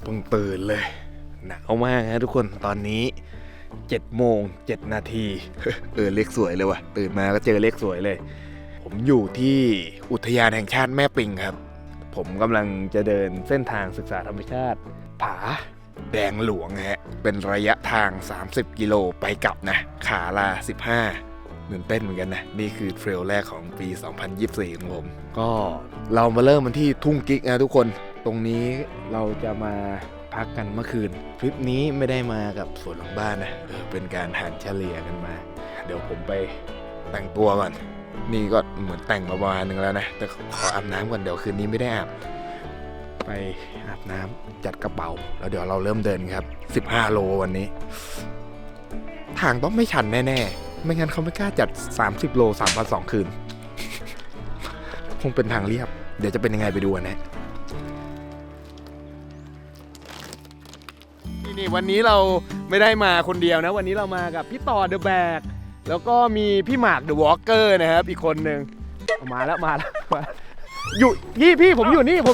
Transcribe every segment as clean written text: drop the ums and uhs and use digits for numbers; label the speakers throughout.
Speaker 1: เพิ่งตื่นเลยหนาวมากนะทุกคนตอนนี้7:07 นาที เลขสวยเลยว่ะตื่นมาก็เจอเลขสวยเลยผมอยู่ที่อุทยานแห่งชาติแม่ปิงครับผมกำลังจะเดินเส้นทางศึกษาธรรมชาติผาแดงหลวงฮะเป็นระยะทาง30 กิโลไปกลับนะขาลา15ตื่นเต้นเหมือนกันนะนี่คือเทรลแรกของปี 2024 ของผมก็เรามาเริ่มกันที่ทุ่งกิ๊กนะทุกคนตรงนี้เราจะมาพักกันเมื่อคืนทริปนี้ไม่ได้มากับสวนหลังบ้านนะเป็นการหารเฉลี่ยกันมาเดี๋ยวผมไปแต่งตัวก่อนนี่ก็เหมือนแต่งมาประมาณนึงแล้วนะแต่ขออาบน้ำก่อนเดี๋ยวคืนนี้ไม่ได้อาบไปอาบน้ำจัดกระเป๋าแล้วเดี๋ยวเราเริ่มเดินครับ15 โลวันนี้ทางต้องไม่ชันแน่ๆไม่งั้นเขาไม่กล้าจัด30 โล3 วัน 2 คืนคงเป็นทางเรียบเดี๋ยวจะเป็นยังไงไปดูกันนะนี่วันนี้เราไม่ได้มาคนเดียวนะวันนี้เรามากับพี่ต่อเดอะแบกแล้วก็มีพี่หมากเดอะวอล์กเกอร์นะครับอีกคนหนึ่งมาแล้วอยู่พี่ผมอยู่นี่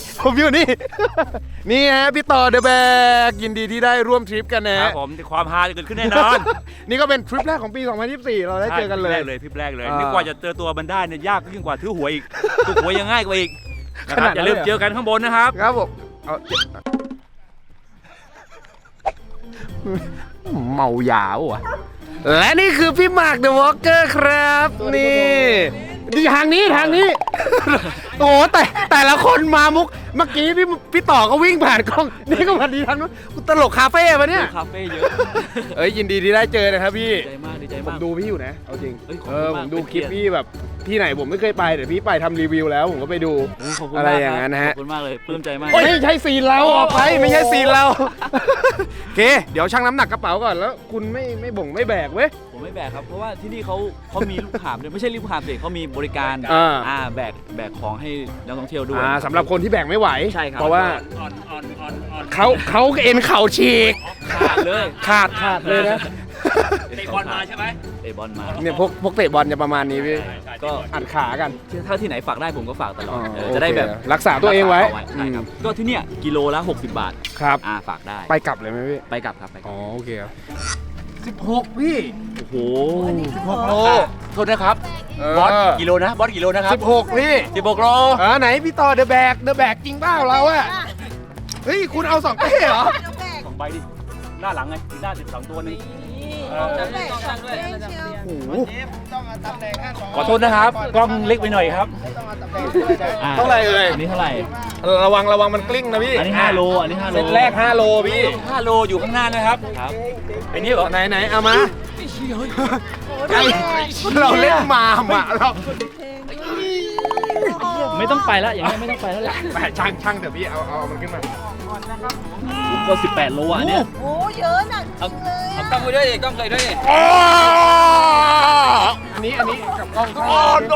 Speaker 1: นี่ฮะพี่ต่อเดอะแบกยินดีที่ได้ร่วมทริปกันนะครับ
Speaker 2: ผมความฮาจะเกิดขึ้นแน่นอน
Speaker 1: นี่ก็เป็นทริปแรกของปี 2024 เราได้เจอกันเลย
Speaker 2: ทริปแรกเลยนึกว่าจะเจอตัวมันได้เนี่ยยากยิ่งกว่าถือหวยอีกถือหวยยังง่ายกว่าอีกอย่าลืมเจอกันข้างบนนะครับ
Speaker 1: ครับผมเมายาวอ่ะและนี่คือพี่หมากเดอะวอล์กเกอร์ครับนี่ทางนี้โอ้แต่ละคนมามุกเมื่อกี้พี่ต่อก็วิ่งผ่านกล้องนี่ก็มาดีทันกูตลกคาเฟ่ปะเนี่ย
Speaker 2: คาเฟ่เยอะ
Speaker 1: ยินดีที่ได้เจอนะครับพี่
Speaker 2: ดีใจมาก
Speaker 1: ผมดูพี่อยู่นะเอาจริงผมดูคลิปพี่แบบที่ไหนผมไม่เคยไปแต่พี่ไปทำรีวิวแล้วผมก็ไปดูอะไรอย่างนั้นนะฮะ
Speaker 2: ขอบคุณมากเลยปลื้มใจมาก
Speaker 1: ไม่ใช่ซีนเราออกไปไม่ใช่ซีนเราโอเคเดี๋ยวชั่งน้ำหนักกระเป๋าก่อนแล้วคุณไม่แบกเว้ย
Speaker 2: ผมไม่แบกครับเพราะว่าที่นี่เขามีลูกหาบด้วยไม่ใช่ลูกหาบสิเขามีบริการแบกของให้นักท่องเที่ยวด้วย
Speaker 1: สำหรับคนที่แบกไม่ไหว
Speaker 2: ใช่ครับ
Speaker 1: เพราะว่าเขาเอ็นเข่าฉีก
Speaker 2: ขาดเลย
Speaker 1: นะ
Speaker 2: เตะบอลมาใช่ไหมเตะบอลมา
Speaker 1: เนี่ยพวกเตะบอลจะประมาณนี้พี่ก็อัดขากัน
Speaker 2: ถ้าที่ไหนฝากได้ผมก็ฝากตลอดจะได้แบบ
Speaker 1: รักษาตัวเองไว้
Speaker 2: ใช่ครับก็ที่เนี่ยกิโลละ60 บาท
Speaker 1: ครับ
Speaker 2: ฝากได้
Speaker 1: ไปกลับเลยไหมพี่
Speaker 2: ไปกลับครับ
Speaker 1: อ๋อโอเค16พี่
Speaker 2: โอ้โห
Speaker 1: 16 โล
Speaker 2: โทษนะครับบอสกิโลนะครับ
Speaker 1: 16พี่
Speaker 2: 16 โล
Speaker 1: ไหนพี่ต่อเดอะแบกจริงเปล่าเราอะเฮ้ยคุณเอา2 เป้เหรอ
Speaker 2: 2 ใบดิหน้าหลังไงหน้า12 ตัวนึงขอโทษนะครับกล้องเล็กไปหน่อยครับ
Speaker 1: เท่าไหร่
Speaker 2: อันนี้เท่าไหร่
Speaker 1: ระวังมันกลิ้งนะพี่
Speaker 2: อันนี้5 โล
Speaker 1: เซตแรก5 โลพี่
Speaker 2: 5 โลอยู่ข้างหน้านะครับอันนี้เหรอ
Speaker 1: ไหนเอามาเราเล่นมาเรา
Speaker 2: ไม่ต้องไปแล้วอย่างนี้ไม่ต้องไปแล้วแหละ
Speaker 1: ช่างเดี๋ยวพี่เอามันขึ้นมา
Speaker 2: ก็18 โลอ่ะเนี่ย
Speaker 3: โอ้เยอะหนักจริงเลย
Speaker 2: เอากล้องไปด้วยดิกล้องเคยด้วยดิ
Speaker 1: อันนี้กับกล้อง
Speaker 2: น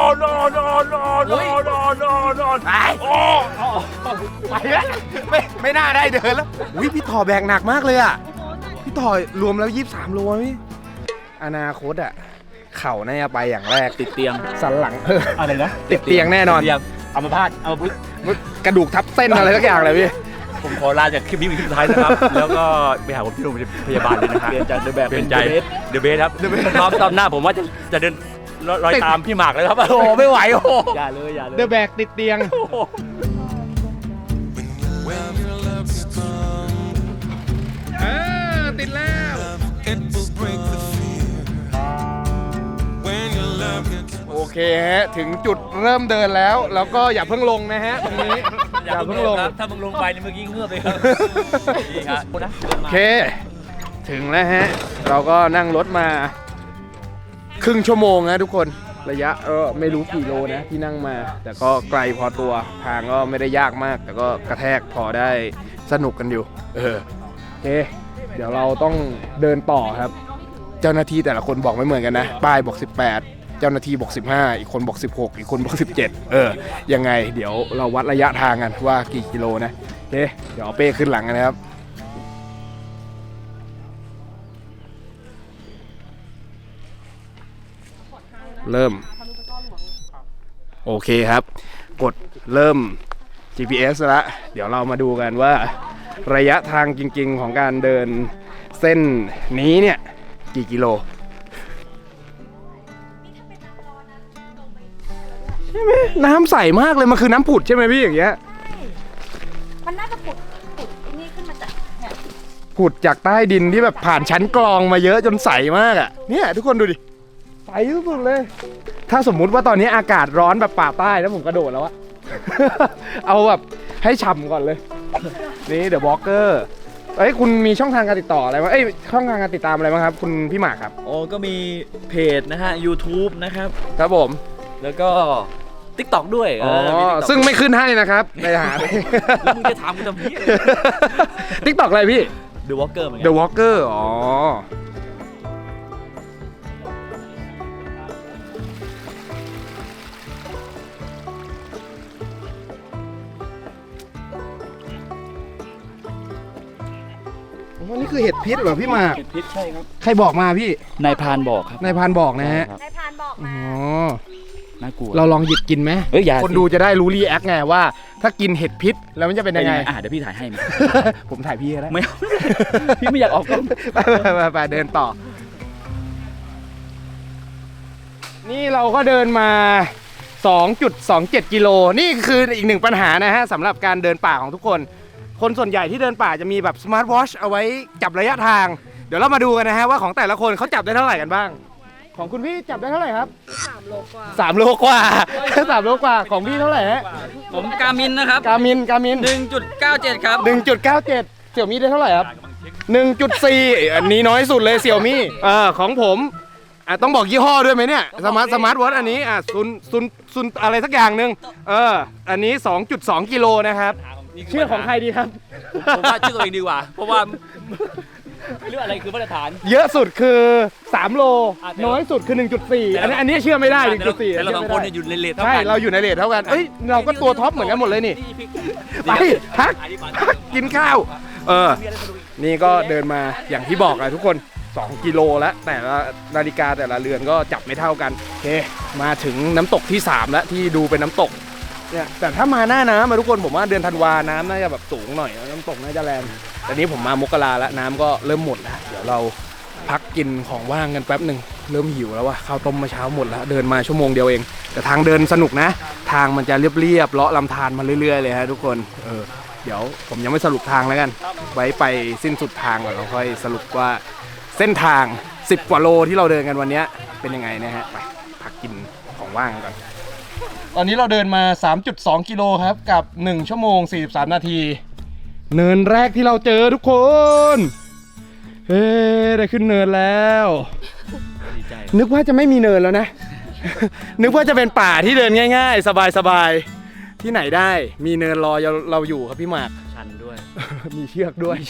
Speaker 2: อน
Speaker 1: ไปแล้วไม่น่าได้เดินแล้วพี่ต่อแบกหนักมากเลยอ่ะพี่ต่อรวมแล้ว23 โลพี่อนาคตอ่ะเข่าน่าจะไปอย่างแรก
Speaker 2: ติดเตียง
Speaker 1: สันหลัง
Speaker 2: อะไรนะ
Speaker 1: ติดเตียงแน่นอน
Speaker 2: เอามาพาดเอา
Speaker 1: กระดูกทับเส้นอะไรสักอย่างเลยพี่
Speaker 2: ผมขอลาจากคลิปนี้เป็นคลิปสุดท้ายนะครับแล้วก็ไปหาผมที่โรงพยาบาลเลยนะครับเปลี่ยนจากเดอะแบกเป็นเดอะเบสครับรอบหน้าผมว่าจะเดินรอยตามพี่หมากเลยครับ
Speaker 1: โอ้ไม่ไหวโอ้
Speaker 2: อย่าเลย
Speaker 1: เดอะแบกติดเตียงติดแล้วโอเคฮะถึงจุดเริ่มเดินแล้วก็อย่าเพิ่งลงนะฮะตรงนี้
Speaker 2: อย่าเพิ่งลงถ้ามึงลงไปเมื่อกี้เงือบเลยครับ
Speaker 1: โอเคถึงแล้วฮะเราก็นั่งรถมาครึ่งชั่วโมงนะทุกคนระยะไม่รู้กี่โลนะที่นั่งมาแต่ก็ไกลพอตัวทางก็ไม่ได้ยากมากแต่ก็กระแทกพอได้สนุกกันอยู่โอเคเดี๋ยวเราต้องเดินต่อครับเจ้าหน้าที่แต่ละคนบอกไม่เหมือนกันนะป้ายบอก18เจ้าหน้าที่บอก15อีกคนบอก16อีกคนบอก17ยังไงเดี๋ยวเราวัดระยะทางกันว่ากี่กิโลนะโอเคเดี๋ยวเอาเป้ขึ้นหลังกันนะครับเริ่มโอเคครับกดเริ่ม GPS แล้วเดี๋ยวเรามาดูกันว่าระยะทางจริงๆของการเดินเส้นนี้เนี่ยกี่กิโลใช่ไหมน้ำใสมากเลยมันคือน้ำผุดใช่ไหมพี่อย่างเงี้ย
Speaker 3: มันน่าจะผุดนี่ขึ้นมาจากเนี่ย
Speaker 1: ผุดจากใต้ดินที่แบบผ่านชั้นกรองมาเยอะจนใสมากอ่ะเนี่ยทุกคนดูดิใสสุดๆเลย ถ้าสมมุติว่าตอนนี้อากาศร้อนแบบป่าใต้แล้วผมกระโดดแล้วอะ เอาแบบให้ฉ่ำก่อนเลย นี่เดอะวอล์กเกอร์เอ้ยคุณมีช่องทางการติดต่ออะไรบ้างเอ้ยช่องทางการติดตามอะไรบ้างครับคุณพี่หมากครับ
Speaker 4: โอ้ก็มีเพจนะฮะ YouTube นะครับ
Speaker 1: ครับผม
Speaker 4: แล้วก็ TikTok ด้วย
Speaker 1: อ๋อ
Speaker 4: มี TikTok
Speaker 1: ซึ่งไม่ขึ้นให้นะครับไปหา
Speaker 4: แล้วมึงจะถามกูทำไม
Speaker 1: ทิกตอกอะไรพี่
Speaker 4: The Walker เหมือนกั
Speaker 1: The Walker อ๋อนี่คือเห็ดพิษเหรอพี่หมาก
Speaker 4: พิษใช่ครับ
Speaker 1: ใครบอกมาพี่
Speaker 4: นายพรานบอกครับ
Speaker 1: นายพรานบอกนะฮะ
Speaker 4: ครับ
Speaker 3: นายพรานบอก
Speaker 1: อ๋
Speaker 3: มา
Speaker 1: อ
Speaker 4: น่ากลัว
Speaker 1: เราลองหยิบกินไหม
Speaker 4: เอ้ยอย่า
Speaker 1: คนดูจะได้รู้รีแอคไงว่า ถ้ากินเห็ดพิษแล้วมันจะเป็น
Speaker 4: เป็น
Speaker 1: ยัง
Speaker 4: ยัง
Speaker 1: ไง
Speaker 4: ไงเดี๋ยวพี่ถ่ายให้มั้ย
Speaker 1: ผมถ่ายพี่ก็ได้
Speaker 4: ไม่เอา พี่ไม่อยากออกกล้อง
Speaker 1: ไปเดินต่อ นี่เราก็เดินมา 2.27 กิโล นี่คืออีกหนึ่งปัญหานะฮะสำหรับการเดินป่าของทุกคน คนส่วนใหญ่ที่เดินป่าจะมีแบบสมาร์ทวอชเอาไว้จับระยะทาง เดี๋ยวเรามาดูกันนะฮะว่าของแต่ละคนเขาจับได้เท่าไหร่กันบ้าง ของคุณพี่จับได้เท่าไหร่ครับ3 โลกว่า3 โลกว่า 3 โลกว่าของพี่เท่าไหร่ฮะ
Speaker 4: ผมกามินนะครับ
Speaker 1: กามิน
Speaker 4: 1.97 ครับ
Speaker 1: 1.97 เสี่ยวมี่ได้เท่าไหร่ครับ 1.4 อันนี้น้อยสุดเลยเสี่ยวมี่ของผมต้องบอกยี่ห้อด้วยไหมเนี่ยสมาร์ทวอทอันนี้ซุนอะไรสักอย่างหนึ่งอันนี้ 2.2 กิโลนะครับเชื่อของใครดีครับ
Speaker 4: ผมว่าชื่อตัวเองดีกว่า เพราะว่าไม่รู้อะไรคือมาตรฐาน
Speaker 1: เยอะสุดคือ 3 โล
Speaker 4: แต่
Speaker 1: น้อยสุดคือ 1.4 อันนี้เชื่อไม่ได้ 1.4
Speaker 4: แต่เราสองคนเนี่ยอยู่ในเลทเท่า
Speaker 1: ใช่
Speaker 4: กัน
Speaker 1: เราอยู่ในเรทเท่ากันเอ้ยเราก็ตัวท็อปเหมือนกันหมดเลยนี่ ไปพักกินข้าวนี่ก็เดินมาอย่างที่บอกอะทุกคน 2 กิโลแล้วแต่ละนาฬิกาแต่ละเรือนก็จับไม่เท่ากันโอเคมาถึงน้ำตกที่ 3 แล้วที่ดูเป็นน้ำตกเนี่ยแต่ถ้ามาหน้าน้ำมาทุกคนผมว่าเดือนธันวาน้ำน่าจะแบบสูงหน่อยน้ำตกน่าจะแรงแต่นี้ผมมามกราแล้วน้ำก็เริ่มหมดแล้วเดี๋ยวเราพักกินของว่างกันแป๊บหนึ่งเริ่มหิวแล้วว่ะข้าวต้มมาเช้าหมดแล้วเดินมาชั่วโมงเดียวเองแต่ทางเดินสนุกนะ ทางมันจะเรียบๆเลาะลำธารมาเรื่อยๆเลยฮะทุกคนเดี๋ยวผมยังไม่สรุปทางแล้วกันไว้ไปสิ้นสุดทางก่อนเราค่อยสรุปว่าเส้นทาง10 กว่าโลที่เราเดินกันวันนี้เป็นยังไงนะฮะไปพักกินของว่างกันก่อนตอนนี้เราเดินมา 3.2 กิโลครับกับ1 ชั่วโมง 43 นาทีเนินแรกที่เราเจอทุกคนเฮ้ได้ขึ้นเนินแล้วนึกว่าจะไม่มีเนินแล้วนะ นึกว่าจะเป็นป่าที่เดินง่ายๆ สบายๆที่ไหนได้มีเนินรอเราอยู่ครับพี่หมาก
Speaker 4: ชันด้วย
Speaker 1: มีเชือกด้วย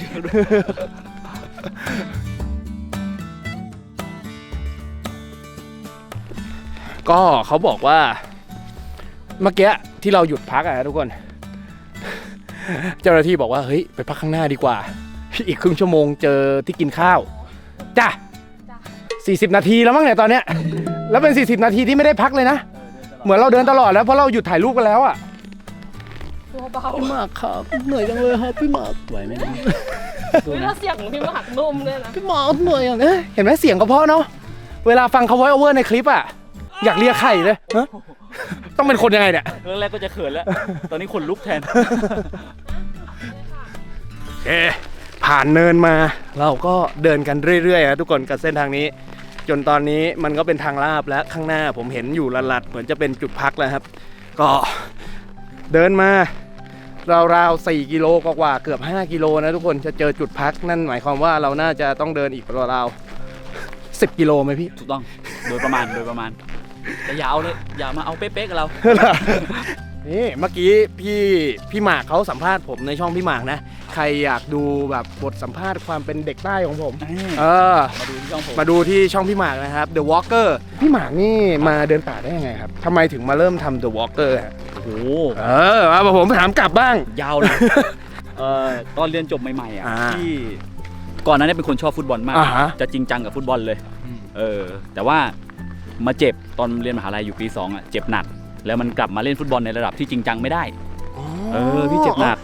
Speaker 1: ก็เขาบอกว่าเมื่อกี้ที่เราหยุดพักอะทุกคน เจ้าหน้าที่บอกว่าเฮ้ยไปพักข้างหน้าดีกว่าอีกครึ่งชั่วโมงเจอที่กินข้าวจ้ะ40 นาทีแล้วมั้งเนี่ยตอนเนี้ยแล้วเป็น40 นาทีที่ไม่ได้พักเลยนะเหมือนเราเดินตลอดแล้วเพราะเราหยุดถ่ายรูปกันแล้วอะ
Speaker 3: ตัวเบา
Speaker 1: พี่หมากครับเหนื่อยจังเลยครับพี่หมาก
Speaker 4: ไหวไหม
Speaker 3: แล้วเสียงพี่มาหักนุ่มด้วยนะ
Speaker 1: พี่หมากเหนื่อยอย่างนี้เห็นไหมเสียงก็เพราะเนาะเวลาฟังเขาไว้โอเวอร์ในคลิปอะอยากเลียไข่เลยฮะต้องเป็นคนยังไงเนี่ย
Speaker 4: เรื่องแรกก็จะเขินแล้ว ตอนนี้ขนลุกแทน
Speaker 1: โอเคผ่านเนินมาเราก็เดินกันเรื่อยๆนะทุกคนกับเส้นทางนี้ จนตอนนี้มันก็เป็นทางลาบแล้วข้างหน้าผมเห็นอยู่ลัดๆเหมือนจะเป็นจุดพักแล้วครับ ก็เดินมาราวๆ4 กิโลกว่าๆเกือบ5 กิโลนะทุกคนจะเจอจุดพักนั่นหมายความว่าเราน่าจะต้องเดินอีกราวๆ10 กิโลไหมพี่
Speaker 4: ถูกต้อง โดยประมาณแต่อย่าเอาเลย อย่ามาเอาเป๊ะๆกับเรา
Speaker 1: นี่เมื่อกี้พี่หมากเขาสัมภาษณ์ผมในช่องพี่หมากนะใครอยากดูแบบบทสัมภาษณ์ความเป็นเด็กใต้ของผมมาดูที่ช่องพี่หมากนะครับ The Walker พี่หมากนี่มาเดินป่าได้ยังไงครับทำไมถึงมาเริ่มทำ The Walker ฮะ
Speaker 4: โอ้โห
Speaker 1: มาผมถามกลับบ้าง
Speaker 4: ยาวเลยตอนเรียนจบใหม่ๆที่ก่อนหน้านี้เป็นคนชอบฟุตบอลมาก จะจริงจังกับฟุตบอลเลยแต่ว่ามาเจ็บตอนเรียนมหาลัยอยู่ปี2เจ็บหนักแล้วมันกลับมาเล่นฟุตบอลในระดับที่จริงจังไม่ได้พี่เจ็บหนัก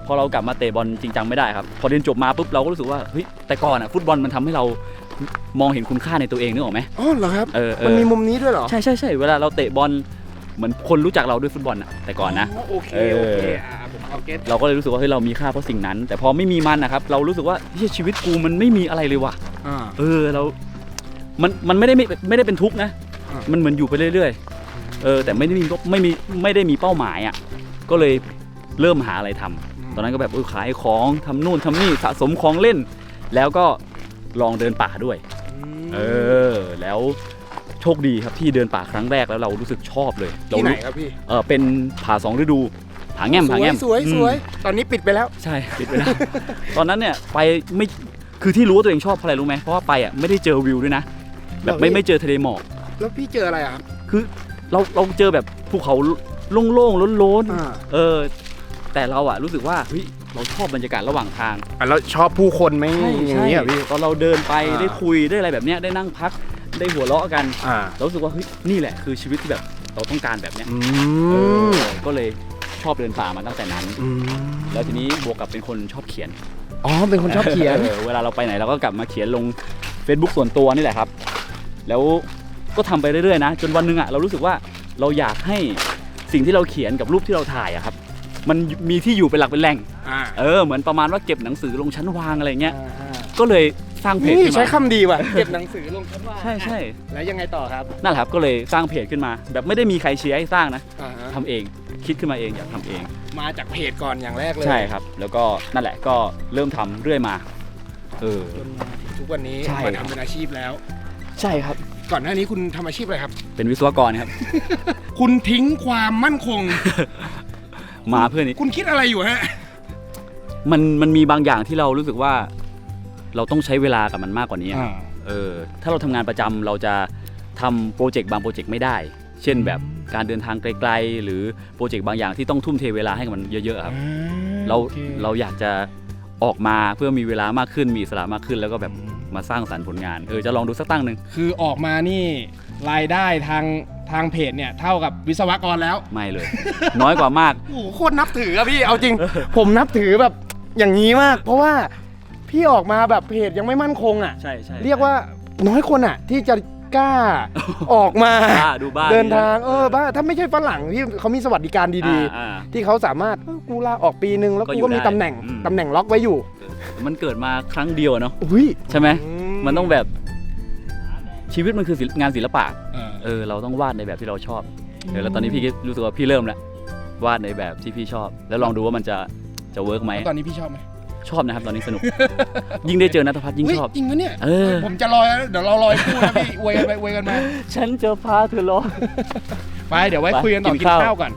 Speaker 4: พอเรากลับมาเตะบอลจริงจังไม่ได้ครับพอเรียนจบมาปุ๊บเราก็รู้สึกว่าเฮ้ยแต่ก่อนอ่ะฟุตบอลมันทำให้เรามองเห็นคุณค่าในตัวเองนึกออกไหม
Speaker 1: อ๋อเหรอครับ
Speaker 4: มัน
Speaker 1: มีมุมนี้ด้วยเหรอ
Speaker 4: ใช่เวลาเราเตะบอลเหมือนคนรู้จักเราด้วยฟุตบอลอ่ะแต่ก่อนนะ
Speaker 1: โอเคผมเอาเก็ต
Speaker 4: เราก็เลยรู้สึกว่าเฮ้ยเรามีค่าเพราะสิ่งนั้น แต่พอไม่มีมันนะครับเรารู้สึกว่าเฮ้ยชีวิตกูมันไม่มีอะไรเลยว่ะเรามันไม่ได้เป็นทุกข์นะมันเหมือนอยู่ไปเรื่อยๆแต่ไม่ได้มีเป้าหมายอ่ะก็เลยเริ่มหาอะไรทำตอนนั้นก็แบบขายของทำนู่นทำนี่สะสมของเล่น แล้วก็ลองเดินป่าด้วยแล้วโชคดีครับที่เดินป่าครั้งแรกแล้วเรารู้สึกชอบเลย
Speaker 1: ที่ไหนครับพี่
Speaker 4: เป็นผา2 ฤดูผาแง่ม
Speaker 1: สวยตอนนี้ปิดไปแล้ว
Speaker 4: ใช่ปิดไปแล้ว ตอนนั้นเนี่ยไปไม่คือที่รู้ว่าตัวเองชอบเพราะอะไรรู้ไหมเพราะว่าไปอ่ะไม่ได้เจอวิวด้วยนะแบบไม่เจอทะเลหมอก
Speaker 1: แล้วพี่เจออะไรครับ
Speaker 4: คือเราเจอแบบภูเขาโล่งๆโล้นๆแต่เราอ่ะรู้สึกว่าเฮ้ยเราชอบบรรยากาศระหว่างทาง
Speaker 1: แล้วชอบผู้คนไหมอย่างนี้อ่ะพี่
Speaker 4: ตอนเราเดินไปได้คุยได้อะไรแบบเนี้ยได้นั่งพักได้หัวเราะกันเรารู้สึกว่าเฮ้ยนี่แหละคือชีวิตที่แบบเราต้องการแบบเนี้ยก็เลยชอบเดินป่ามาตั้งแต่นั้นแล้วทีนี้บวกกับเป็นคนชอบเขียน
Speaker 1: เป็นคนชอบเขียน
Speaker 4: เวลาเราไปไหนเราก็กลับมาเขียนลง Facebook ส่วนตัวนี่แหละครับแล้วก็ทำไปเรื่อยๆนะจนวันนึงอ่ะเรารู้สึกว่าเราอยากให้สิ่งที่เราเขียนกับรูปที่เราถ่ายอะครับมันมีที่อยู่เป็นหลักเป็นแหล่งเหมือนประมาณว่าเก็บหนังสือลงชั้นวางอะไรเงี้ยก็เลยสร้างเพจขึ้นมา
Speaker 1: ใช้คำดีว่ะเก็บหนังสือลงชั้นวาง
Speaker 4: ใช่
Speaker 1: แล้วยังไงต่อครับ
Speaker 4: นั่นแหละครับก็เลยสร้างเพจขึ้นมาแบบไม่ได้มีใครเชียร์ให้สร้างนะทำเองคิดขึ้นมาเองอยากทำเอง
Speaker 1: มาจากเพจก่อนอย่างแรกเลย
Speaker 4: ใช่ครับแล้วก็นั่นแหละก็เริ่มทำเรื่อยมา
Speaker 1: จนมาถึงทุกวันนี้มาทำเป็นอาชีพแล้ว
Speaker 4: ใช่ครับ
Speaker 1: ก่อนหน้านี้คุณทำอาชีพอะไรครับ
Speaker 4: เป็นวิศวกรครับ
Speaker 1: คุณทิ้งความมั่นคง
Speaker 4: มาเพื่อนี้
Speaker 1: คุณคิดอะไรอยู่ฮะ
Speaker 4: มันมีบางอย่างที่เรารู้สึกว่าเราต้องใช้เวลากับมันมากกว่านี้ถ้าเราทำงานประจำเราจะทำโปรเจกต์บางโปรเจกต์ไม่ได้เช่นแบบการเดินทางไกลๆหรือโปรเจกต์บางอย่างที่ต้องทุ่มเทเวลาให้กับมันเยอะๆครับเราอยากจะออกมาเพื่อมีเวลามากขึ้นมีอิสระมากขึ้นแล้วก็แบบมาสร้างสรรค์ผลงานจะลองดูสักตั้งหนึ่ง
Speaker 1: คือออกมานี่รายได้ทางเพจเนี่ยเท่ากับวิศวกรแล้ว
Speaker 4: ไม่เลย น้อยกว่ามาก
Speaker 1: โอ้โหโคตรนับถือครับพี่เอาจริง ผมนับถือแบบอย่างนี้มากเพราะว่าพี่ออกมาแบบเพจยังไม่มั่นคงอ่ะ
Speaker 4: ใช่
Speaker 1: เรียกว่าน้อยคนอ่ะที่จะกล้าออกมา
Speaker 4: ดูบ้าน
Speaker 1: เดินทางบ้าถ้าไม่ใช่ฝรั่งที่เขามีสวัสดิการดีๆที่เขาสามารถกูลาออกปีนึงแล้วกูก็มีตำแหน่งล็อกไว้อยู่
Speaker 4: มันเกิดมาครั้งเดียวเนาะใช่ไหมมันต้องแบบชีวิตมันคืองานศิลปะเราต้องวาดในแบบที่เราชอบแล้วตอนนี้พี่รู้สึกว่าพี่เริ่มแล้ววาดในแบบที่พี่ชอบแล้วลองดูว่ามันจะเวิร์กไหม
Speaker 1: ตอนนี้พี่ชอบไหม
Speaker 4: ชอบนะครับตอนนี้สนุกยิ่งได้เจอณัฐพัฒน์ยิ่งชอบ
Speaker 1: จริงปะเนี่ยผมจะลอยเดี๋ยวเราลอยคู่นะพี่อวยกันไปอวยกันมา
Speaker 4: ฉันจะพาเธอลอย
Speaker 1: ไปเดี๋ยวไว้คุยกันต่อกินข้าวก่อน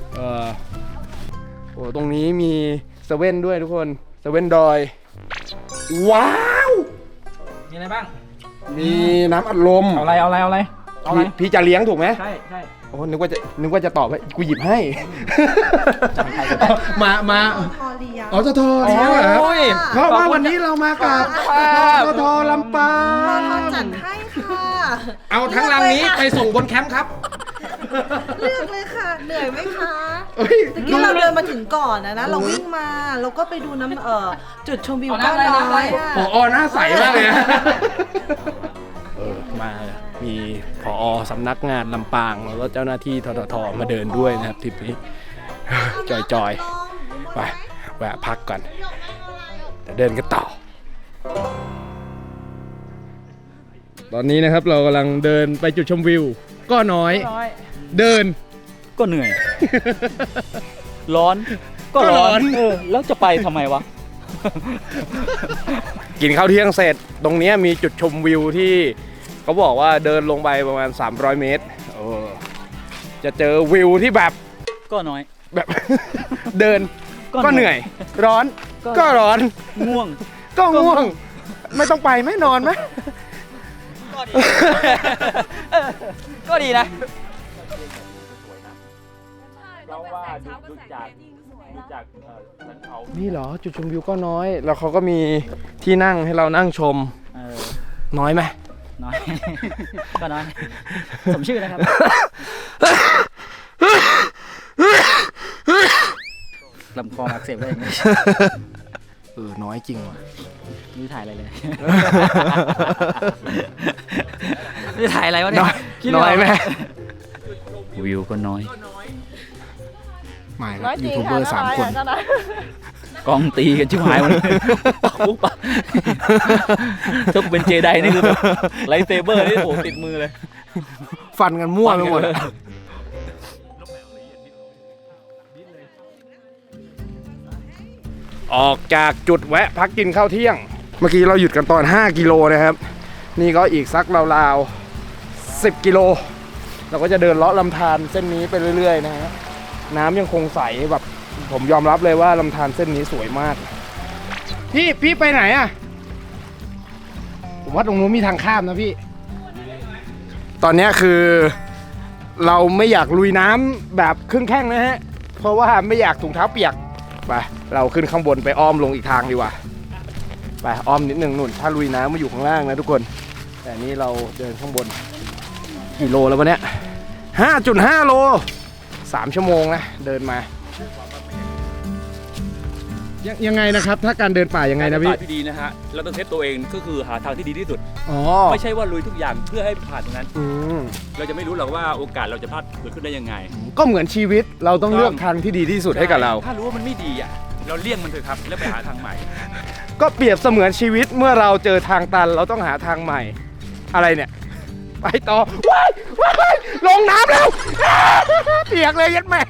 Speaker 1: โอ้ตรงนี้มีเซเว่นด้วยทุกคนเซเว่นดอยว้าว
Speaker 2: มีอะไรบ้าง
Speaker 1: มีน้ำอัดลม
Speaker 2: เอาอะไร
Speaker 1: พี่จะเลี้ยงถูกไหม
Speaker 2: ใช่
Speaker 1: โอ้นึกว่าจะตอบให้กูหยิบให้มาอ๋อทอเลี้ยงเหรอเพราะว่าวันนี้เรามากับทอลำปาง
Speaker 3: จัดให้ค่ะ
Speaker 1: เอาทั้งรังนี้ไปส่งบนแคมป์ครับ
Speaker 3: เลือกเลยค่ะเหนื่อยไหมคะตะกี้เราเดินมาถึงก่อนนะเราวิ่งมาเราก็ไปดูน้ำจุดชมวิวก้อนน้อย
Speaker 1: หน้าใสมากเลยมามีผอ.สำนักงานลำปางแล้วก็เจ้าหน้าที่ททท.มาเดินด้วยนะครับทริปนี้จอยไปแวะพักก่อนจะเดินกันต่อตอนนี้นะครับเรากำลังเดินไปจุดชมวิวก็น้อยเดิน
Speaker 4: ก็เหนื่อยร้อนก็ร้อนแล้วจะไปทำไมวะ
Speaker 1: กินข้าวเที่ยงเสร็จตรงนี้มีจุดชมวิวที่เขาบอกว่าเดินลงไปประมาณ300 เมตรจะเจอวิวที่แบบ
Speaker 4: ก็น้อย
Speaker 1: แบบเดินก็เหนื่อยร้อนก็ร้อน
Speaker 4: ง่วง
Speaker 1: ก็ง่วงไม่ต้องไปไม่นอนไหม
Speaker 4: ก็ดีนะ
Speaker 1: นี่เหรอจุดชมวิวก็น้อยแล้วเขาก็มีที่นั่งให้เรานั่งชมน้อยไหม
Speaker 4: น้อยก็น้อยสมชื่อนะครับ
Speaker 5: ลำคออักเสบได้ยังไง
Speaker 1: น้อยจริงว่ะ
Speaker 5: ไม่ถ่ายอะไรเลย ไม่ถ่ายอะไรวะเนี่ยคิดไม่
Speaker 1: น้
Speaker 5: อ
Speaker 1: อย
Speaker 5: อก
Speaker 1: ไหม
Speaker 4: วิวก็น้อย
Speaker 1: ไม่ครับยูทูบเบอร์3 คน
Speaker 4: กล้องตีกันชิบหายหมดเลยปักปุ๊บปักถ้ากูเป็นเจไดนี่คือแบบไลท์เซเบอร์นี่โอ้ติดมือเลย
Speaker 1: ฟันกันมั่วไปหมด ออกจากจุดแวะพักกินข้าวเที่ยง เมื่อกี้เราหยุดกันตอน5 กิโลนะครับ นี่ก็อีกสักราวๆ10 กิโล เราก็จะเดินเลาะลำธารเส้นนี้ไปเรื่อยๆนะฮะน้ำยังคงใสแบบผมยอมรับเลยว่าลำธารเส้นนี้สวยมาก พี่ไปไหนอะผมว่าตรงนู้นมีทางข้ามนะพี่ ตอนนี้คือเราไม่อยากลุยน้ำแบบครึ่งแข้งนะฮะ เพราะว่าไม่อยากถุงเท้าเปียก ไป เราขึ้นข้างบนไปอ้อมลงอีกทางดีกว่า ไปอ้อมนิดนึงนุ่น ถ้าลุยน้ำมาอยู่ข้างล่างนะทุกคน แต่นี่เราเดินข้างบนกี่โลแล้ววะเนี่ย 5.5 โล 3 ชั่วโมงนะเดินมายังไงนะครับ ถ้าการเดินป่ายังไงนะพี่
Speaker 4: ที่ดีนะฮะเราต้องเซตตัวเองก็คือหาทางที่ดีที่สุด
Speaker 1: อ๋อ
Speaker 4: ไม่ใช่ว่าลุยทุกอย่างเพื่อให้ผ่านตรงนั้น
Speaker 1: อืม
Speaker 4: เราจะไม่รู้หรอกว่าโอกาสเราจะพลาดเกิดขึ้นได้ยังไง
Speaker 1: ก็เหมือนชีวิตเราต้องเลือกทางที่ดีที่สุดให้กับเรา
Speaker 4: ถ้ารู้ว่ามันไม่ดีอ่ะเราเลี่ยงมันเถอะครับแล้วไปหาทางใหม่
Speaker 1: ก็เปรียบเสมือนชีวิตเมื่อเราเจอทางตันเราต้องหาทางใหม่ อะไรเนี่ย ไปต่อว้ายว้ายลงน้ำแล้วเปียกเลยยัดแม่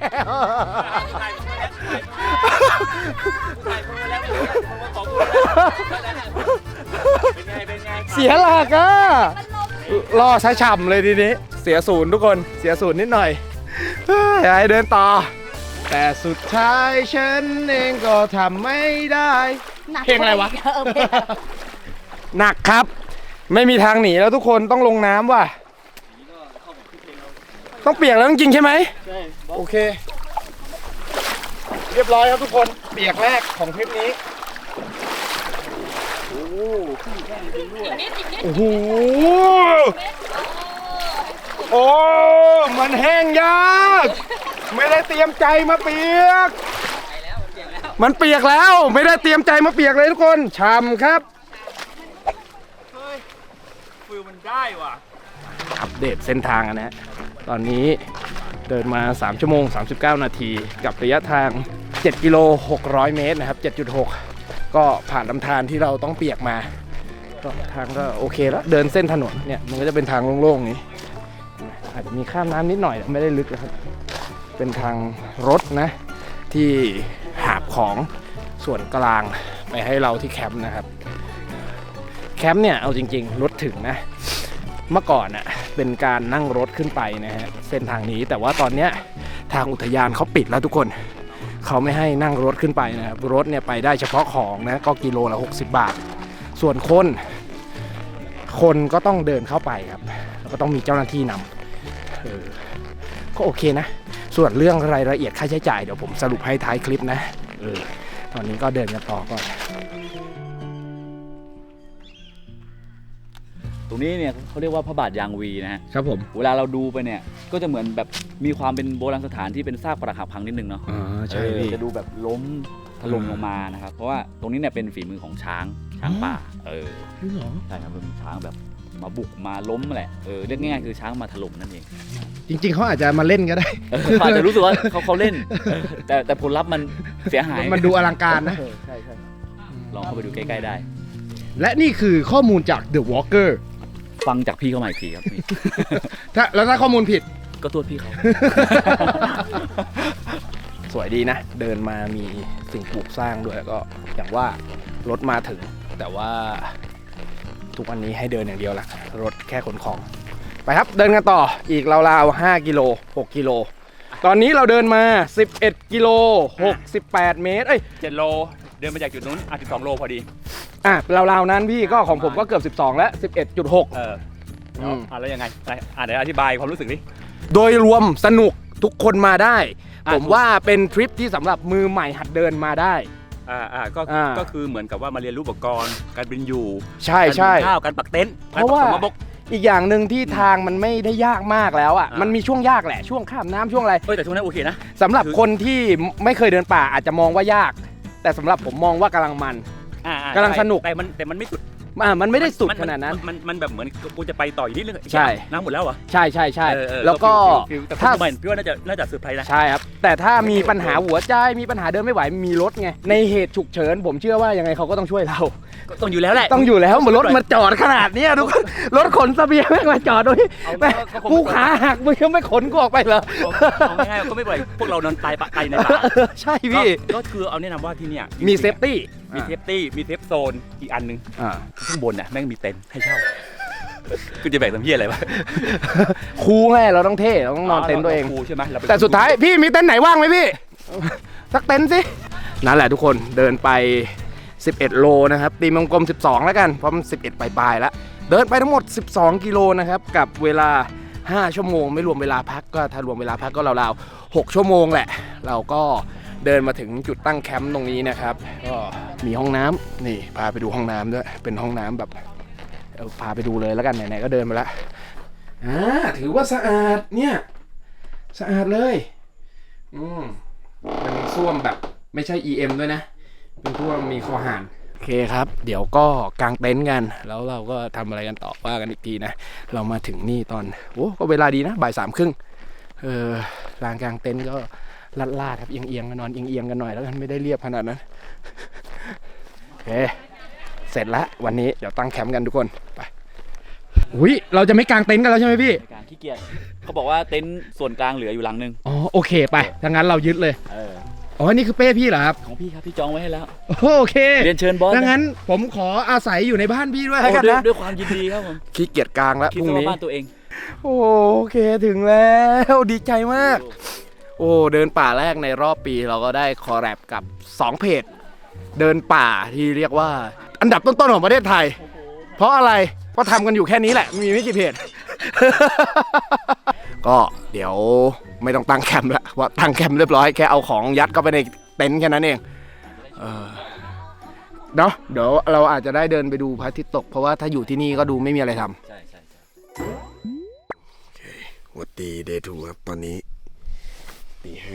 Speaker 1: เสียหลักอะรอใช้ฉ่ำเลยทีนี้เสียศูนย์ทุกคนเสียศูนย์นิดหน่อยให้เดินต่อ แต่สุดท้ายฉันเองก็ทำไม่ได้ เพลงอะไรวะ หนักครับ ไม่มีทางหนีแล้วทุกคนต้องลงน้ำว่ะ ต้องเปียกแล้วจริงๆใช่ไหมใช่โอเค เรียบร้อยครับทุกคนเปียกแรกของทริปนี้โอ้โหโอ้มันแห้งยากไม่ได้เตรียมใจมาเปียกมันเปียกแล้วไม่ได้เตรียมใจมาเปียกเลยทุกคนช่ำครับ
Speaker 4: ฟิลมันได้ว่ะ
Speaker 1: อัปเดตเส้นทางนะฮะตอนนี้เดินมา3 ชั่วโมง 39 นาทีกับระยะทาง7 กิโล 600 เมตรนะครับ 7.6 ก็ผ่านลำธารที่เราต้องเปียกมาก็ทางก็โอเคแล้วเดินเส้นถนนเนี่ยมันก็จะเป็นทางโล่งๆนี้อาจจะมีข้ามน้ำนิดหน่อยไม่ได้ลึกนะครับเป็นทางรถนะที่หาบของส่วนกลางไปให้เราที่แคมป์นะครับแคมป์เนี่ยเอาจริงๆรถถึงนะเมื่อก่อนน่ะเป็นการนั่งรถขึ้นไปนะฮะเส้นทางนี้แต่ว่าตอนเนี้ยทางอุทยานเขาปิดแล้วทุกคนเขาไม่ให้นั่งรถขึ้นไปนะครับรถเนี่ยไปได้เฉพาะของนะก็กิโลละ60 บาทส่วนคนก็ต้องเดินเข้าไปครับแล้วก็ต้องมีเจ้าหน้าที่นำก็โอเคนะส่วนเรื่องรายละเอียดค่าใช้จ่ายเดี๋ยวผมสรุปให้ท้ายคลิปนะตอนนี้ก็เดินกันต่อก่อน
Speaker 4: ตรงนี้เนี่ยเขาเรียกว่าพระบาทยางวีนะฮะ
Speaker 1: ครับผม
Speaker 4: เวลาเราดูไปเนี่ยก็จะเหมือนแบบมีความเป็นโบราณสถานที่เป็นซากปรักหักพังนิดนึงเนาะ
Speaker 1: ใช่พี่
Speaker 4: จะดูแบบล้มถล่มลงมานะครับเพราะว่าตรงนี้เนี่ยเป็นฝีมือของช้างป่าใช่ครับเป็นช้างแบบมาบุกมาล้มแหละเรียกง่ายๆคือช้างมาถล่มนั่นเอง
Speaker 1: จริงๆเขาอาจจะมาเล่นก็ได้
Speaker 4: เขาอาจจะรู้สึกว่าเขาเล่นแต่ผลลัพธ์มันเสียหาย
Speaker 1: มันดูอลังการนะ
Speaker 4: ใช่ลองเข้าไปดูใกล้ๆได้
Speaker 1: และนี่คือข้อมูลจาก The Walker
Speaker 4: ฟังจากพี่เขาใหม่อีกทีครับพี่
Speaker 1: แล้วถ้าข้อมูลผิด
Speaker 4: ก็โทษพี่เขา
Speaker 1: สวยดีนะ เดินมามีสิ่งปลูกสร้างด้วยก็อย่างว่ารถมาถึง แต่ว่าทุกวันนี้ให้เดินอย่างเดียวละรถแค่ขนของ ไปครับเดินกันต่ออีกราวๆ5 กิโล 6 กิโล ตอนนี้เราเดินมา 11 กิโล 68 เมตร
Speaker 4: 7 โลเดินมาจากจุดนู้น12 โลพอดี
Speaker 1: ราวๆนั้นพี่ก็ของผมก็เกือบ 12 แล้ว 11.6
Speaker 4: แล้วยังไงเดี๋ยวอธิบายความรู้สึกดิ
Speaker 1: โดยรวมสนุกทุกคนมาได้ ผมว่าเป็นทริปที่สำหรับมือใหม่หัดเดินมาได้
Speaker 4: ก็คือเหมือนกับว่ามาเรียนรู้อุปกรณ์การบินอยู่
Speaker 1: ใช่
Speaker 4: การหุงข้าวการปักเต็นท์
Speaker 1: เพราะว่า
Speaker 4: การปักสมบก
Speaker 6: อีกอย่างหนึ่งที่ทางมันไม่ได้ยากมากแล้วอ่ะมันมีช่วงยากแหละช่วงข้ามน้ำช่วงอะไร
Speaker 4: แต่ช่วงนั้นโอเคนะ
Speaker 6: สำหรับคนที่ไม่เคยเดินป่าอาจจะมองว่ายาก แต่สำหรับผมมองว่ากำลังมัน กำลังสนุก
Speaker 4: แต่มันไม่สุด
Speaker 6: มันไม่ได้สุดขนาดนั้น
Speaker 4: มันแบบเหมือนกูจะไปต่ออีกนิดนึง
Speaker 6: ใช่
Speaker 4: น้ำหมดแล้วเหรอ
Speaker 6: ใช่ใช่ใช่
Speaker 4: เออ
Speaker 6: แล้วก็
Speaker 4: แต่
Speaker 6: ถ้า
Speaker 4: พี่ว่าน่าจะเซอร์ไพรส์นะ
Speaker 6: ใช่ครับ แต่ถ้ามีปัญหาหัวใจมีปัญหาเดินไม่ไหวมีรถไงในเหตุฉุกเฉินผมเชื่อว่ายังไงเขาก็ต้องช่วยเรา
Speaker 4: ก็ต้องอยู่แล้วแหละ
Speaker 6: ต้องอยู่แล้วรถมาจอดขนาดเนี้ยทุกคนรถขนเสบียงแม่งมาจอดด้วยแม่งกูขาหักมึงยังไม่ขนกูออกไปเหรอ
Speaker 4: เอาง่ายๆก็ไม่เป็นไรพวกเรานอนตายในป่า
Speaker 6: ใช่พี่
Speaker 4: ก็คือเอาแนะนำว่าที่เนี่ย
Speaker 6: มีเซฟตี้
Speaker 4: มีเซฟตี้มีเซฟโซนอีกอันนึงข้างบนน่ะแม่งมีเต็นท์ให้เช่ากูจะแบกทำเพี้ยอะไรวะ
Speaker 6: ครูไงเราต้องเท่เราต้องนอนเต็นท์ตัวเอง
Speaker 4: ครูใช่ไหมเราเป็น
Speaker 6: แต่สุดท้ายพี่มีเต็นท์ไหนว่างไหมพี่ สักเต็นท์สินั่นแหละทุกคนเดินไป 11 โลนะครับตีมังกลม12แล้วกันเพราะมัน11ปลายๆแล้วเดินไปทั้งหมด12กิโลนะครับกับเวลา5ชั่วโมงไม่รวมเวลาพักก็ถ้ารวมเวลาพักก็ราวๆ6ชั่วโมงแหละเราก็เดินมาถึงจุดตั้งแคมป์ตรงนี้นะครับก็มีห้องน้ำนี่พาไปดูห้องน้ำด้วยเป็นห้องน้ำแบบพาไปดูเลยแล้วกันไหนๆก็เดินมาแล้วถือว่าสะอาดเนี่ยสะอาดเลยเป็นส้วมแบบไม่ใช่ EM ด้วยนะเป็นส้วมมีคอห่านโอเคครับเดี๋ยวก็กางเต็นท์กันแล้วเราก็ทำอะไรกันต่อว่ากันอีกทีนะเรามาถึงนี่ตอนก็เวลาดีนะบ่าย 3:30ลานกางเต็นท์ก็ลาดๆครับเอียงๆกันนอนเอียงๆกันหน่อยแล้วกันไม่ได้เรียบขนาดนั้นโอเคเสร็จแล้ววันนี้เดี๋ยวตั้งแคมป์กันทุกคนไปอุ้ยเราจะไม่กางเต็นท์กันแล้วใช่ไหมพี่
Speaker 4: การขี้เกียจเขาบอกว่าเต็นท์ส่วนกลางเหลืออยู่หลังนึง
Speaker 6: อ๋อโอเคไปถ้างั้นเรายึดเลยอ๋อนี่คือเป้พี่เหรอครับ
Speaker 4: ของพี่ครับพี่จองไว้ให้แล้ว
Speaker 6: โอเค
Speaker 4: เรียนเชิญบอส
Speaker 6: ถ้างั้นผมขออาศัยอยู่ในบ้านพี่ด้วยแล้วกันนะ
Speaker 4: ด้วยความยินดีครับผม
Speaker 6: ขี้เกียจกลางแล้ว
Speaker 4: คิด
Speaker 6: พรุ่ง
Speaker 4: ว่า
Speaker 6: นี้
Speaker 4: บ้านตัวเอง
Speaker 6: โอเคถึงแล้วดีใจมากโอ้เดินป่าแรกในรอบปีเราก็ได้คอลแลบกับ2เพจเดินป่าที่เรียกว่าอันดับต้นๆของประเทศไทยเพราะอะไรเพราะทำกันอยู่แค่นี้แหละมีไม่กี่เพจ ก็เดี๋ยวไม่ต้องตั้งแคมป์ละว่าตั้งแคมป์เรียบร้อยแค่เอาของยัดเข้าไปในเต็นท์แค่นั้นเองเนาะเดี๋ยวเราอาจจะได้เดินไปดูพระอาทิตย์ตกเพราะว่าถ้าอยู่ที่นี่ก็ดูไม่มีอะไรทำ
Speaker 4: ใช่
Speaker 6: โอเควันตีเดย์ทูครับตอนนี้ตี 5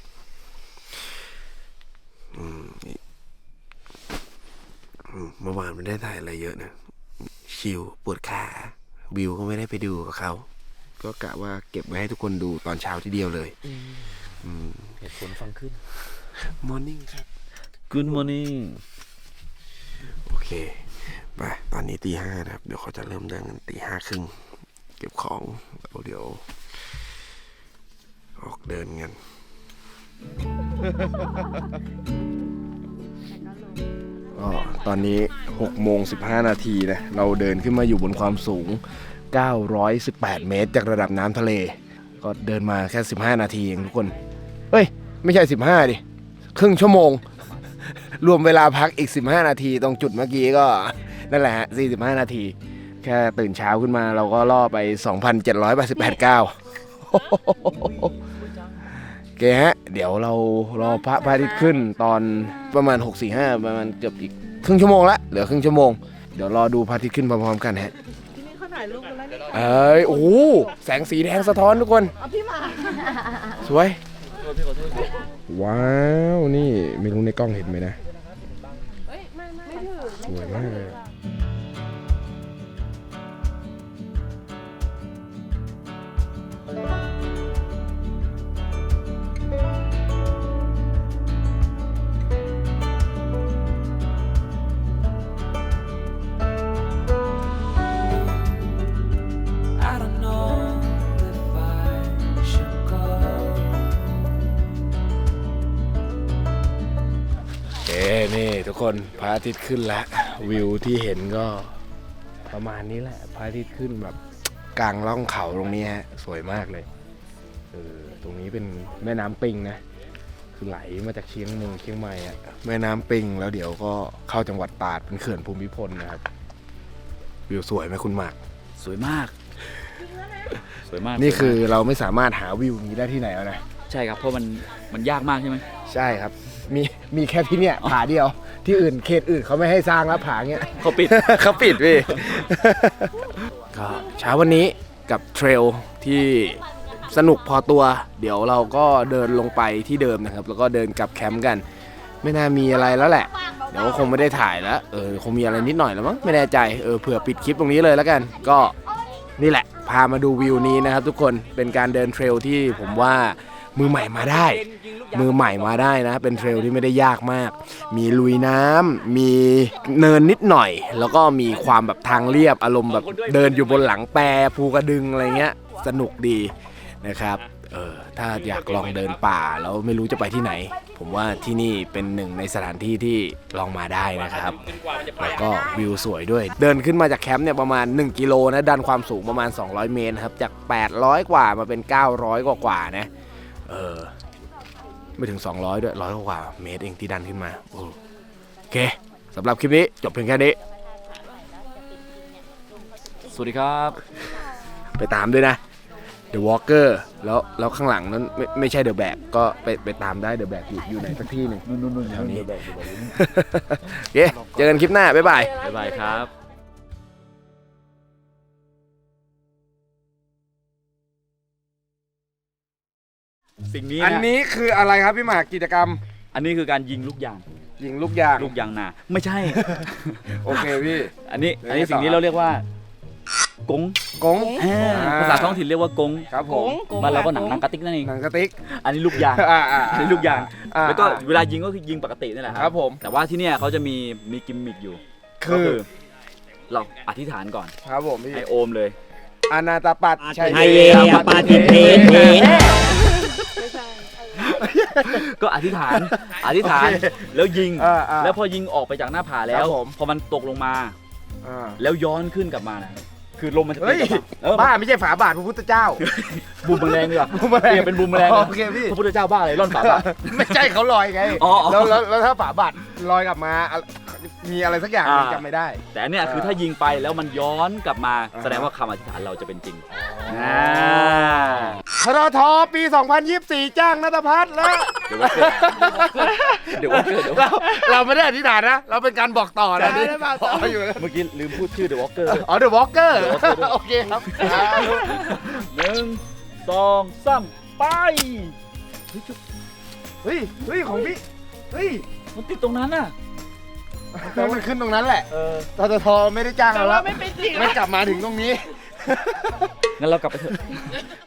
Speaker 6: เมื่อวานไม่ได้ถ่ายอะไรเยอะนะชิลปวดขาวิวก็ไม่ได้ไปดูกับเขาก็กะว่าเก็บไว้ให้ทุกคนดูตอนเช้าทีเดียวเลย
Speaker 4: เหตุผลฟังขึ้น
Speaker 6: Morning ครับ
Speaker 4: Good morning
Speaker 6: โอเคไปตอนนี้ตี 5นะครับเดี๋ยวเขาจะเริ่มเดินกันตี 5:30เก็บของแล้วเดี๋ยวออกเดินกันตอนนี้6:15 นาทีนะเราเดินขึ้นมาอยู่บนความสูง918 เมตรจากระดับน้ำทะเลก็เดินมาแค่15 นาทีเองทุกคนเฮ้ยไม่ใช่15ดิครึ่งชั่วโมงรวมเวลาพักอีก15 นาทีตรงจุดเมื่อกี้ก็นั่นแหละฮะ45 นาทีแค่ตื่นเช้าขึ้นมาเราก็ล่อไป 2,788 ก้าวโอเคฮะเดี๋ยวเรารอพระอาทิตย์ขึ้นตอนประมาณ 6:45 ประมาณเกือบอีกครึ่งชั่วโมงละเหลือครึ่งชั่วโมงเดี๋ยวรอดูพระอาทิตย์ขึ้นพร้อมๆกันฮะ
Speaker 3: ที่นี่เขาถ่ายรูปกันแล้วนี่
Speaker 6: โอ้โหแสงสีแดงสะท้อนทุกคน
Speaker 3: เอาพี่มา
Speaker 6: สวยว้าวนี่ไม่รู้ในกล้องเห็นไหมนะสวยมากเลยนี่ทุกคนพระอาทิตย์ขึ้นแล้ววิวที่เห็นก็ประมาณนี้แหละพระอาทิตย์ขึ้นแบบกลางร่องเขาตรงนี้ฮะสวยมากเลยตรงนี้เป็นแม่น้ำปิงนะคือไหลมาจากเชียงใหม่อะแม่น้ำปิงแล้วเดี๋ยวก็เข้าจังหวัดตราดเป็นเขื่อนภูมิพลนะครับวิวสวยไหมคุณหมาก
Speaker 4: สวยมากสวยมาก
Speaker 6: นี่คือเราไม่สามารถหาวิวนี้ได้ที่ไหนแล้วนะ
Speaker 4: ใช่ครับเพราะมันยากมากใช่ไหม
Speaker 6: ใช่ครับมีแค่ที่เนี่ยผาเดียวที่อื่นเขตอื่นเขาไม่ให้สร้างแล้วผาเงี้ย
Speaker 4: เขาปิด
Speaker 6: เขาปิดพี่ก็เช้าวันนี้กับเทรลที่สนุกพอตัว เดี๋ยวเราก็เดินลงไปที่เดิมนะครับ แล้วก็เดินกลับแคมป์กัน ไม่น่ามีอะไรแล้วแหละ เดี๋ยวก็คงไม่ได้ถ่ายแล้วคงมีอะไรนิดหน่อยแล้วมั้งไม่แน่ใจเผื่อปิดคลิปตรงนี้เลยแล้วกัน ก็นี่แหละพามาดูวิวนี้นะครับทุกคนเป็นการเดินเทรลที่ผมว่ามือใหม่มาได้ มือใหม่มาได้นะเป็นเทรลที่ไม่ได้ยากมาก มีลุยน้ำมีเนินนิดหน่อย แล้วก็มีความแบบทางเรียบอารมณ์แบบเดินอยู่บนหลังแปรภูกระดึงอะไรเงี้ยสนุกดีนะครับถ้าอยากลองเดินป่าแล้วไม่รู้จะไปที่ไหน ผมว่าที่นี่เป็นหนึ่งในสถานที่ที่ลองมาได้นะครับแล้วก็วิวสวยด้วย เดินขึ้นมาจากแคมป์เนี่ยประมาณ1กิโลนะดันความสูงประมาณ200เมตรครับจาก800กว่ามาเป็น900กว่านะไม่ถึง200ด้วย100กว่าเมตรเองที่ดันขึ้นมาโอเคสำหรับคลิปนี้จบเพียงแค่นี้
Speaker 4: สวัสดีครับ
Speaker 6: ไปตามด้วยนะ The Walker แล้วข้างหลังนั้นไม่ใช่ The Bag ก็ไปตามได้ The Bag อยู่ไหนสักที่หนึ่งนู่นแถวนี้โอเคเจอกันคลิปหน้า บ๊ายบาย
Speaker 4: บ๊ายบายครับ สิ่งนี้
Speaker 6: อัน
Speaker 4: นะ
Speaker 6: นี้คืออะไรครับพี่หมากกิจกรรม
Speaker 4: อันนี้คือการยิงลูกยาง
Speaker 6: ยิงลูกยาง
Speaker 4: ลูกยางนาไม่ใช่
Speaker 6: โอเคพี่
Speaker 4: อันนี้
Speaker 6: แล้วไงต่อ
Speaker 4: สิ่งนี้เราเรียกว่ากง
Speaker 6: กง
Speaker 4: ภาษาท้องถิ่นเรียกว่ากง
Speaker 6: ครับผม
Speaker 4: บ้านเราก็หนังกระติกนั่นเอง
Speaker 6: หนังสติ๊ก
Speaker 4: อันนี้ลูกยาง อันนี้ลูกยาง แล้วก็เวลายิงก็คือยิงปกตินี่แหละ
Speaker 6: ครับผม
Speaker 4: แต่ว่าที่เนี่ยเขาจะมีกิมมิคอยู่
Speaker 6: คือ
Speaker 4: ก็เราอธิษฐานก่อน
Speaker 6: ครับผมพี่
Speaker 4: ให้โอมเลย
Speaker 6: อนาตาปัดชัย
Speaker 5: ไทยเยปาติเทเท
Speaker 4: ก็อธิษฐานแล้วยิง
Speaker 6: แล้
Speaker 4: แล้ว วพอยิงออกไปจากหน้าผาแล้
Speaker 6: คว รับผม
Speaker 4: พอมันตกลงมา แล้วย้อนขึ้นกลับมานะคือลมมันจะ
Speaker 6: เฮ้ย
Speaker 4: ตีกลับมา
Speaker 6: บ้าไม่ใช่ฝาบาทพระพุทธเจ้า
Speaker 4: บูมแมลงดีกว่า
Speaker 6: บูมแมลง
Speaker 4: เปลี่ยนเป็นบูมแมลง
Speaker 6: โอเคพี่
Speaker 4: พระพุทธเจ้าบ้าเลยร่อนฝาบาท
Speaker 6: ไม่ใช่เขาลอยไง
Speaker 4: อ๋อ
Speaker 6: แล้วถ้าฝาบาทลอยกลับมามีอะไรสักอย่างจำไม่ได้
Speaker 4: แต่อันเนี่ยคือถ้ายิงไปแล้วมันย้อนกลับมา แสดงว่าคำอธิษฐานเราจะเป็นจริง
Speaker 6: ทรทปี 2024 จ้างนัทพัฒน์แล้ว
Speaker 4: เดี๋ยวว่าเกิด
Speaker 6: เราไม่ได้อธิษฐานนะ เราเป็นการบอกต่อนะนี่อยู่
Speaker 4: เมื่อกี้ลืมพูดชื่อ The Walker
Speaker 6: อ๋อ The Walker โอเคครับ
Speaker 4: 1 2 3 ไป
Speaker 6: เฮ้ยของพี่ เฮ้ย
Speaker 4: มันติดตรงนั้นน่ะ
Speaker 6: แล้วมันขึ้นตรงนั้นแหละทรทไม่ได้จ้างเราแล้วไม่กลับมาถึงตรงนี้
Speaker 4: งั้นเรากลับไปเถอะ